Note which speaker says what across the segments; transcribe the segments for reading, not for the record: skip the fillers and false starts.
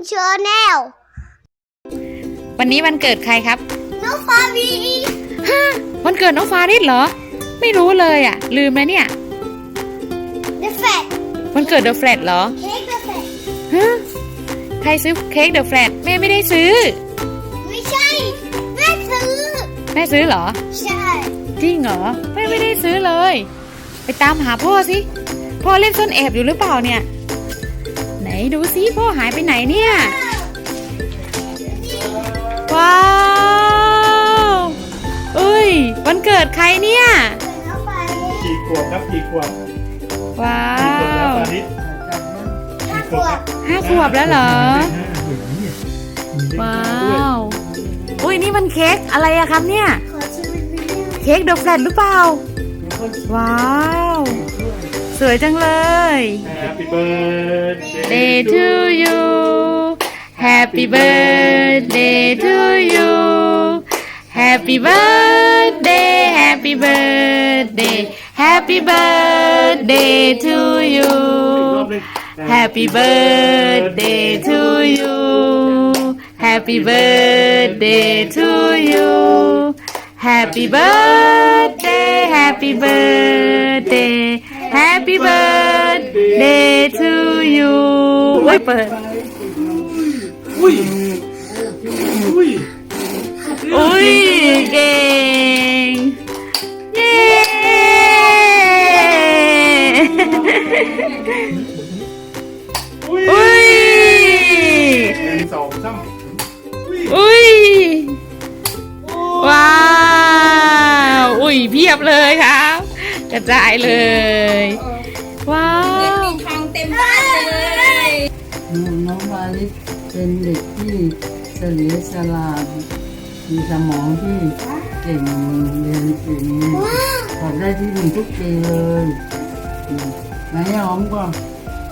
Speaker 1: ชาแนล
Speaker 2: วันนี้วันเกิดใครครับ
Speaker 1: น้องฟาวี
Speaker 2: ฮะวันเกิดน้องฟาริสเหรอไม่รู้เลยอ่ะลืมแล้วเนี่ย
Speaker 1: The Flat
Speaker 2: วันเกิด The Flat เหรอ
Speaker 1: เค้ก The Flat
Speaker 2: ฮะใครซื้อเค้ก The Flat แม่ไม่ได้ซื้อ
Speaker 1: ไม่ใช่แม่ซื้อ
Speaker 2: เหรอ
Speaker 1: ใช่
Speaker 2: จริงเหรอแม่ไม่ได้ซื้อเลยไปตามหาพ่อสิพ่อเล่นซ่อนแอบอยู่หรือเปล่าเนี่ยไหนดูสิพ่อหายไปไหนเนี่ยว้าวเอ้ยวันเกิดใครเนี่ย
Speaker 3: กี่ขวบครับกี่ขวบ
Speaker 2: ว้าว
Speaker 1: 5 ขวบ
Speaker 2: แล้วเหรอว้าวอุ้ยนี่มันเค้กอะไรอะครับเนี่ยเค้ก The Flat หรือเปล่าว้าวสวยจังเลย
Speaker 3: Happy birthday
Speaker 2: to you Happy birthday to you Happy birthday Happy birthday Happy birthday to you Happy birthday to you Happy birthday to you Happy birthday Happy birthday Happy birthday to you เฮ้ยเปิดอุ้ยเก่งเย้อุ้ยอุ้ยว้าวอุ้ยเพียบเลยครับกระจายเลยว้าว
Speaker 4: มีทองเต็มบ้านเลย
Speaker 5: น้องวาลิสเป็นเด็กที่เฉลียวฉลาดมีสมองที่เก่งเรียนเก่งสอบได้ที่หนึ่งทุกปีเลยไหนหอมก่อน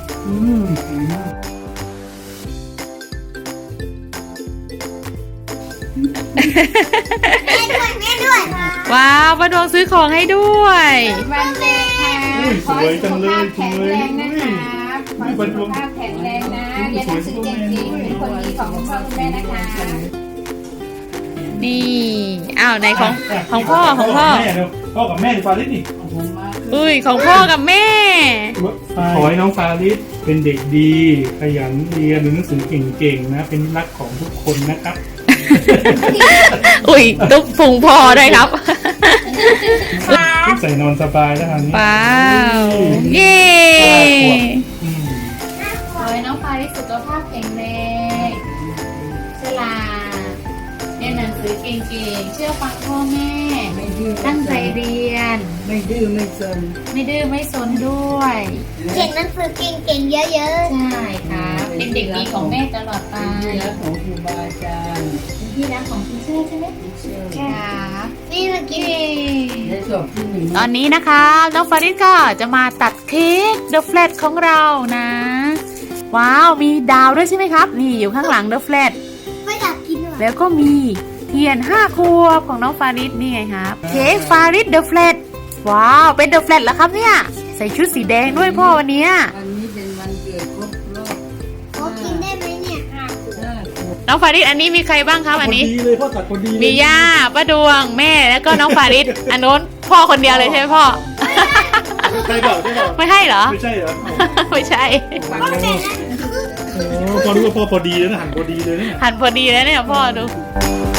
Speaker 1: แม่ด้วย
Speaker 2: ว้าวป้าดวงซื้อของให้ด้วย
Speaker 4: วันเด็กค่ะ
Speaker 3: สวยจังเลยสวย
Speaker 4: ขอให้สุขภาพแข็งแรงนะเรียนหนังสือเก่งๆเป็นคนดีของคุณพ่อคุณแม่นะคะ
Speaker 2: นี่อ้าวไหนของพ่อ
Speaker 3: พ่อกับแม่ฟาริสนี่
Speaker 2: อุ้ยของพ่อกับแม่
Speaker 3: ขอให้น้องฟาริสเป็นเด็กดีขยันเรียนหนังสือเก่งๆนะเป็นรักของทุกคนนะครับ
Speaker 2: อุ้ยตุ๊กพุงพ่อด้วยครับ
Speaker 3: ใส่นอนสบายแล้วครับ
Speaker 2: ว้าวเย้
Speaker 4: ขอให้น้องฟาริสสุขภาพแข็งแรงฉลาดเรียนหนังสือเก่งๆเชื่อฟังพ่อแม่ตั้งใจเรียน
Speaker 5: ไม่ดื้อไม่ซน
Speaker 4: ด้วย
Speaker 1: เก่งหนังสือเก่งๆเยอะ
Speaker 4: ๆใช่ครับเป็นเด็กดีของแม่ตลอดไป
Speaker 5: ที่รักของครูบาอาจารย์
Speaker 4: เป็นที่รักของคุณเชื่อใช่ไหม
Speaker 1: ครับนี่เมื่อกี้
Speaker 5: ในสอบที่1
Speaker 2: ตอนนี้นะคะน้องฟาริสก็จะมาตัดเค้ก The Flat ของเรานะว้าวมีดาวด้วยใช่ไหมครับนี่อยู่ข้างหลัง The Flat
Speaker 1: ไม่อยากกินหรอ
Speaker 2: แล้วก็มีเทียน5 ขวบของน้องฟาริสนี่ไงครับเค้กฟาริส The Flat ว้าวเป็น The Flat แล้วครับเนี่ยใส่ชุดสีแดงด้วยพ่อวันนี้
Speaker 5: เป็นวันเกิดครบรอบ
Speaker 1: เขากินได้ไหมเนี่ย
Speaker 2: น้องฟาริสอันนี้มีใครบ้างครับอันนี้
Speaker 3: ดีเลยพ่อตัดคนดี
Speaker 2: มีย่าป้าดวงแม่แล้วก็น้องฟาริสอันโน้นพ่อคนเดียวเลยใช่ไหมพ่อ
Speaker 3: ใช่เปล่า
Speaker 2: ไม่ใช่เหรอ
Speaker 3: ไม่ใช่เหรอ
Speaker 2: ไม่ใช่
Speaker 3: พอรู้ว่าพ่อพอดีแล้วนะหั่นพอดีเลยนะ
Speaker 2: หั่นพอดีแล้วเนี่ยพ่อดู